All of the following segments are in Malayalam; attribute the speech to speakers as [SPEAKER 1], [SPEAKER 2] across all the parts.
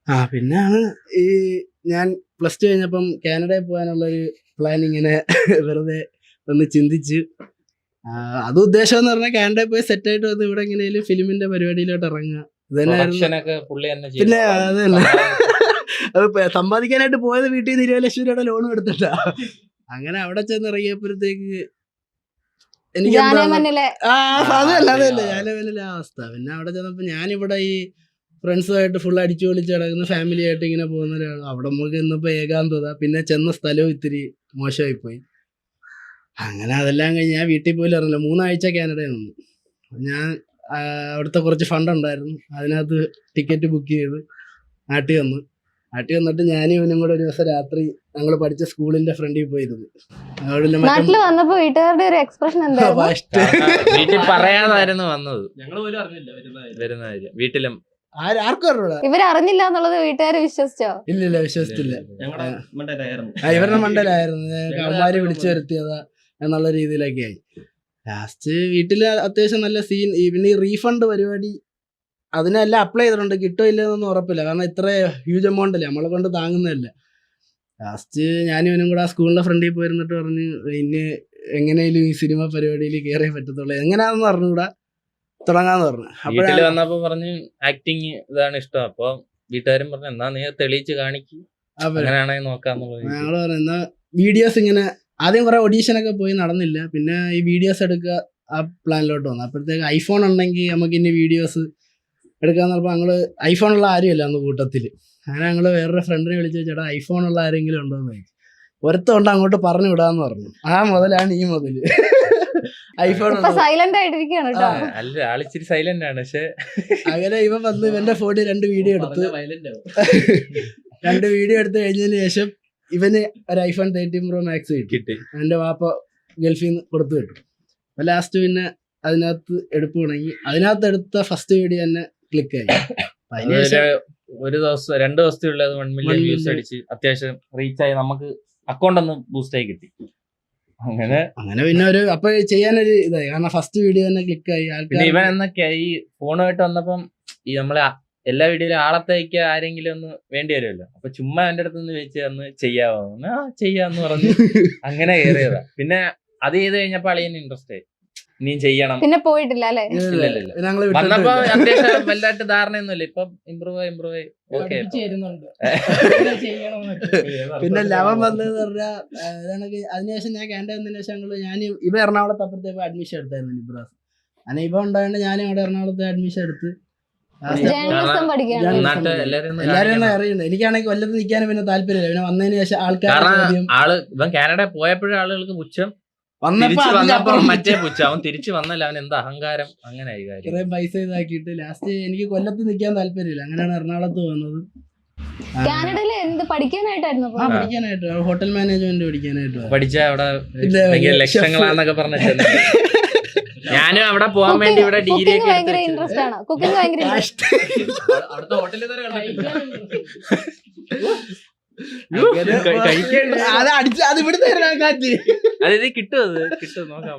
[SPEAKER 1] പിന്നാണ് ഈ ഞാൻ പ്ലസ് ടു കഴിഞ്ഞപ്പം കാനഡയിൽ പോകാനുള്ളൊരു പ്ലാൻ ഇങ്ങനെ വെറുതെ ഒന്ന് ചിന്തിച്ച് അത് ഉദ്ദേശം എന്ന് പറഞ്ഞാൽ കാനഡയിൽ പോയി സെറ്റായിട്ട് വന്ന് ഇവിടെ എങ്ങനെയാലും ഫിലിമിന്റെ പരിപാടിയിലോട്ട് ഇറങ്ങുക. പിന്നെ അത് തന്നെ അത് സമ്പാദിക്കാനായിട്ട് പോയത് വീട്ടിൽ നിന്ന് 20 ലക്ഷം രൂപയുടെ ലോൺ എടുത്തിട്ടാ. അങ്ങനെ അവിടെ ചെന്ന് ഇറങ്ങിയപ്പോഴത്തേക്ക് എനിക്ക് അതല്ല ഞാനല്ല അവസ്ഥ. പിന്നെ അവിടെ ചെന്നപ്പോ ഞാനിവിടെ ഈ ഫ്രണ്ട്സുമായിട്ട് ഫുൾ അടിച്ചു പൊളിച്ച് കിടക്കുന്ന ഫാമിലി ആയിട്ട് ഇങ്ങനെ പോകുന്ന ഒരാൾ. അവിടെ നമുക്ക് ഇന്നിപ്പോ ഏകാന്തത, പിന്നെ ചെന്ന സ്ഥലവും ഇത്തിരി മോശമായി പോയി. അങ്ങനെ അതെല്ലാം കഴിഞ്ഞ് ഞാൻ വീട്ടിൽ പോലും ഇറങ്ങില്ല. 3 ആഴ്ച കാനഡയിൽ നിന്നു. ഞാൻ അവിടുത്തെ കുറച്ച് ഫണ്ട് ഉണ്ടായിരുന്നു, അതിനകത്ത് ടിക്കറ്റ് ബുക്ക് ചെയ്ത് നാട്ടിൽ വന്നിട്ട് ഞാനും ഇവനും കൂടെ ഒരു ദിവസം രാത്രി ഞങ്ങൾ പഠിച്ച സ്കൂളിന്റെ ഫ്രണ്ടിൽ പോയിരുന്നു.
[SPEAKER 2] നാട്ടിൽ വന്നപ്പോ വീട്ടുകാരുടെ ഒരു എക്സ്പ്രഷൻ
[SPEAKER 3] വീട്ടിൽ പറയാതായിരുന്നു വന്നത്. ഞങ്ങൾ പോലും അറിഞ്ഞില്ല വരുന്ന വീട്ടിലും
[SPEAKER 1] ആർക്കും അറിഞ്ഞൂടാ.
[SPEAKER 2] ഇവരറിഞ്ഞില്ല എന്നുള്ളത് വീട്ടുകാർ വിശ്വസിച്ചോ?
[SPEAKER 1] ഇല്ല വിശ്വസിച്ചില്ല. ഇവരുടെ മണ്ടലായിരുന്നു, അമ്മമാര് വിളിച്ചു വരുത്തിയതാ എന്നുള്ള രീതിയിലൊക്കെ ആയി. ലാസ്റ്റ് വീട്ടില് അത്യാവശ്യം നല്ല സീൻ. പിന്നെ ഈ റീഫണ്ട് പരിപാടി അതിനെല്ലാം അപ്ലൈ ചെയ്തിട്ടുണ്ട്, കിട്ടോ ഇല്ലെന്നൊന്നും ഉറപ്പില്ല. കാരണം ഇത്ര ഹ്യൂജ് എമൗണ്ട് അല്ലേ, നമ്മളെ കൊണ്ട് താങ്ങുന്നതല്ല. ലാസ്റ്റ് ഞാനും ഇവനും കൂടെ ആ സ്കൂളിന്റെ ഫ്രണ്ടിൽ പോയിരുന്നിട്ട് പറഞ്ഞു ഇനി എങ്ങനെയും ഈ സിനിമ പരിപാടിയിൽ കയറിയേ പറ്റത്തുള്ളൂ, എങ്ങനെയാണെന്ന് പറഞ്ഞുകൂടാ, തുടങ്ങാന്ന് പറഞ്ഞു.
[SPEAKER 3] വീട്ടിൽ വന്നപ്പോ പറഞ്ഞു ആക്ടിങ് ഇതാണ് ഇഷ്ടം. അപ്പൊ വീട്ടുകാരും പറഞ്ഞു എന്നാ നീ തെളിയിച്ച് കാണിക്കും, അങ്ങനെയാണെങ്കിൽ നോക്കാന്നുള്ളത്.
[SPEAKER 1] ഞങ്ങള് പറഞ്ഞു എന്നാ വീഡിയോസ് ഇങ്ങനെ ആദ്യം കുറെ ഓഡീഷനൊക്കെ പോയി, നടന്നില്ല. പിന്നെ ഈ വീഡിയോസ് എടുക്കുക ആ പ്ലാനിലോട്ട് വന്നു. അപ്പോഴത്തേക്ക് ഐഫോൺ ഉണ്ടെങ്കിൽ നമുക്ക് ഇനി വീഡിയോസ് എടുക്കാന്ന് പറഞ്ഞപ്പോൾ ഞങ്ങള് ഐഫോണുള്ള ആരുമില്ല അന്ന് കൂട്ടത്തില്. അങ്ങനെ ഞങ്ങള് വേറൊരു ഫ്രണ്ടിനെ വിളിച്ചു ചേട്ടാ ഐഫോണുള്ള ആരെങ്കിലും ഉണ്ടോന്ന് ചോദിച്ചു. ഒരുത്തമുണ്ട്, അങ്ങോട്ട് പറഞ്ഞു വിടാന്ന് പറഞ്ഞു. ആ മുതലാണ് ഈ മുതല് ഐഫോൺ
[SPEAKER 2] സൈലന്റ് ആയിട്ടിരിക്കുകയാണ് കേട്ടോ.
[SPEAKER 3] അല്ല ആളിച്ചിരി സൈലന്റ് ആണ്. പക്ഷെ അങ്ങനെ
[SPEAKER 1] ഇവൻ വന്ന് ഇവന്റെ ഫോണിൽ 2 വീഡിയോ എടുത്ത് 2 വീഡിയോ എടുത്ത് കഴിഞ്ഞതിന് ശേഷം ഇവന് ഒരു ഐഫോൺ 13 Pro Max കിട്ടി. എന്റെ വാപ്പ ഗൾഫിൽ നിന്ന് കൊടുത്തു കിട്ടും. അപ്പൊ ലാസ്റ്റ് പിന്നെ അതിനകത്ത് എടുപ്പ് തുടങ്ങി. അതിനകത്ത് എടുത്ത ഫസ്റ്റ് വീഡിയോ തന്നെ ക്ലിക്കായി.
[SPEAKER 3] ഒരു ദിവസം 2 ദിവസത്തിലുള്ള 1 മില്യൺ വ്യൂസ് അടിച്ച് അത്യാവശ്യം റീച്ചായി, നമുക്ക് അക്കൗണ്ട് ഒന്ന് ബൂസ്റ്റ് ആയി കിട്ടി. അങ്ങനെ
[SPEAKER 1] പിന്നെ ഒരു അപ്പൊ ചെയ്യാനൊരു ഇതായി, കാരണം ഫസ്റ്റ് വീഡിയോ തന്നെ ക്ലിക്കായി.
[SPEAKER 3] പിന്നെ ഇവൻ എന്നൊക്കെയാ ഈ ഫോണുമായിട്ട് വന്നപ്പം ഈ നമ്മളെ എല്ലാ വീഡിയോയിലും ആളത്തേക്ക് ആരെങ്കിലും ഒന്ന് വേണ്ടി വരുമല്ലോ. അപ്പൊ ചുമ്മാ എന്റെ അടുത്ത് നിന്ന് ചോദിച്ചു തന്ന് ചെയ്യാവോ, ചെയ്യാന്ന് പറഞ്ഞു അങ്ങനെ കയറിയതാ. പിന്നെ അത് ചെയ്ത് കഴിഞ്ഞപ്പോ അളിയന് ഇൻട്രസ്റ്റ് ആയി, ഇനിയും ചെയ്യണം.
[SPEAKER 2] പിന്നെ പോയിട്ടില്ല അല്ലേ?
[SPEAKER 3] വന്നപ്പോ അത്യാവശ്യം വലുതായിട്ട് ധാരണയൊന്നുമില്ല. ഇപ്പൊ ഇമ്പ്രൂവ് ഓക്കെ.
[SPEAKER 1] പിന്നെ ലവൻ വന്നതെന്ന് പറഞ്ഞാൽ അതിനുശേഷം ഞാൻ കാനഡ വന്നതിന് ശേഷം ഞാൻ ഇവ എറണാകുളത്ത് അപ്പുറത്തേക്ക് അഡ്മിഷൻ എടുത്തായിരുന്നു ഇബ്രാസ്. അങ്ങനെ ഇവ ഉണ്ടായതുകൊണ്ട് ഞാനും അവിടെ എറണാകുളത്ത് അഡ്മിഷൻ എടുത്ത് എല്ലാരും അറിയണ്ട. എനിക്കാണെങ്കിൽ കൊല്ലത്ത് നിൽക്കാനും പിന്നെ താല്പര്യമില്ല. പിന്നെ വന്നതിന് ശേഷം
[SPEAKER 3] ഇവൻ കാനഡ പോയപ്പോഴും ആളുകൾക്ക് പുച്ഛം, വന്നപ്പോ മറ്റേ പുച്ഛം. അവൻ തിരിച്ചു വന്നല്ല, അവൻ എന്താ അഹങ്കാരം, അങ്ങനെ
[SPEAKER 1] കുറെ പൈസ ഇതാക്കിയിട്ട് ലാസ്റ്റ് എനിക്ക് കൊല്ലത്ത് നിൽക്കാൻ താല്പര്യമില്ല. അങ്ങനെയാണ് എറണാകുളത്ത് വന്നത്.
[SPEAKER 2] കാനഡയില് എന്ത് പഠിക്കാനായിട്ടായിരുന്നു?
[SPEAKER 1] പഠിക്കാനായിട്ട് ഹോട്ടൽ മാനേജ്മെന്റ് പഠിക്കാനായിട്ട്
[SPEAKER 3] പഠിച്ച അവിടെ ലക്ഷങ്ങളാന്നൊക്കെ പറഞ്ഞിട്ട് ഞാനും അവിടെ പോകാൻ വേണ്ടി ഇവിടെ ഡിഗ്രി
[SPEAKER 2] ഭയങ്കര ഇൻട്രസ്റ്റ് ആണ്. കുക്കിംഗ് ഭയങ്കര
[SPEAKER 3] അവിടുത്തെ ഹോട്ടലിൽ അതായത് കിട്ടും നോക്കാം.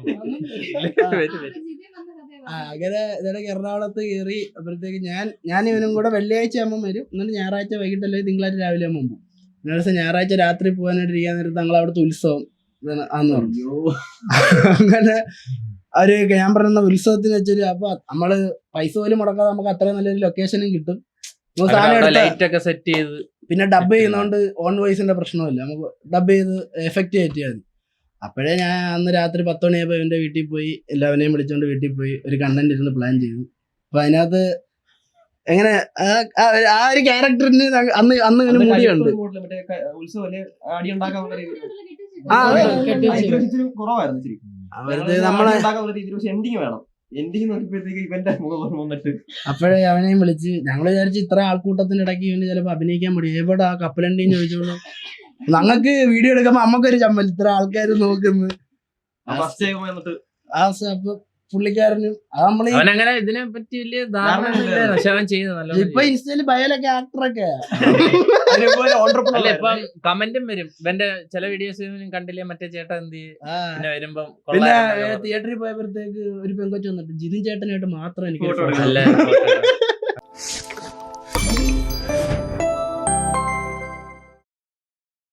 [SPEAKER 1] അങ്ങനെ ഇതൊക്കെ എറണാകുളത്ത് കയറി അപ്പോഴത്തേക്ക് ഞാൻ ഇവനും കൂടെ വെള്ളിയാഴ്ച ആകുമ്പോൾ വരും. എന്നിട്ട് ഞായറാഴ്ച വൈകിട്ടല്ലേ തിങ്കളാഴ്ച രാവിലെ ആകുമ്പോൾ പോകും. ദിവസം ഞായറാഴ്ച രാത്രി പോകാനായിട്ട് ഇരിക്കാൻ നേരത്ത് ഞങ്ങൾ അവിടുത്തെ ഉത്സവം ആന്ന് പറഞ്ഞു. അങ്ങനെ ഞാൻ പറയുന്ന ഉത്സവത്തിന് വെച്ചൊരു അപ്പൊ നമ്മള് പൈസ പോലും മുടക്കാതെ നമുക്ക് അത്രയും നല്ലൊരു ലൊക്കേഷനും കിട്ടും.
[SPEAKER 3] സെറ്റ് ചെയ്ത്
[SPEAKER 1] പിന്നെ ഡബ് ചെയ്യുന്നോണ്ട് ഓൺ വോയിസിന്റെ പ്രശ്നമില്ല, നമുക്ക് ഡബ് ചെയ്ത് എഫക്റ്റ് കയറ്റിയാൽ മതി. അപ്പോഴേ ഞാൻ അന്ന് രാത്രി 10 മണിയായപ്പോൾ എന്റെ വീട്ടിൽ പോയി എല്ലാവരെയും വിളിച്ചോണ്ട് വീട്ടിൽ പോയി ഒരു കണ്ടന്റ് ഇരുന്ന് പ്ലാൻ ചെയ്തു. അപ്പൊ അതിനകത്ത് എങ്ങനെ ആ ഒരു ക്യാരക്ടറിന് അന്ന് ഇങ്ങനെ മുടിയുണ്ട്. അപ്പോഴേ അവനെയും വിളിച്ച് ഞങ്ങൾ വിചാരിച്ചു ഇത്ര ആൾക്കൂട്ടത്തിന്റെ ഇടയ്ക്ക് ഇവന് ചിലപ്പോ അഭിനയിക്കാൻ മതി. എവിടെ ആ കപ്പലണ്ടിയും ചോദിച്ചോളൂ. ഞങ്ങൾക്ക് വീഡിയോ എടുക്കുമ്പോ നമ്മക്കൊരു ചമ്മൽ, ഇത്ര ആൾക്കാർ നോക്കുന്നു. അപ്പൊ പുള്ളിക്കാരനും
[SPEAKER 3] അവനങ്ങനെ ഇതിനെ പറ്റി വലിയ ധാരണ.
[SPEAKER 1] ഇപ്പൊ ഇൻസ്റ്റയില് ബയോലൊക്കെ ആക്ടറൊക്കെ
[SPEAKER 3] ഇപ്പം കമന്റും വരും. ഇവന്റെ ചില വീഡിയോസ് കണ്ടില്ലേ മറ്റേ ചേട്ടൻ എന്ത് പിന്നെ വരുമ്പോ.
[SPEAKER 1] പിന്നെ തിയേറ്ററിൽ പോയപ്പോഴത്തേക്ക് ഒരു പെങ്കൊച്ചു വന്നിട്ട് ജിതിൻ ചേട്ടനായിട്ട് മാത്രം എനിക്ക്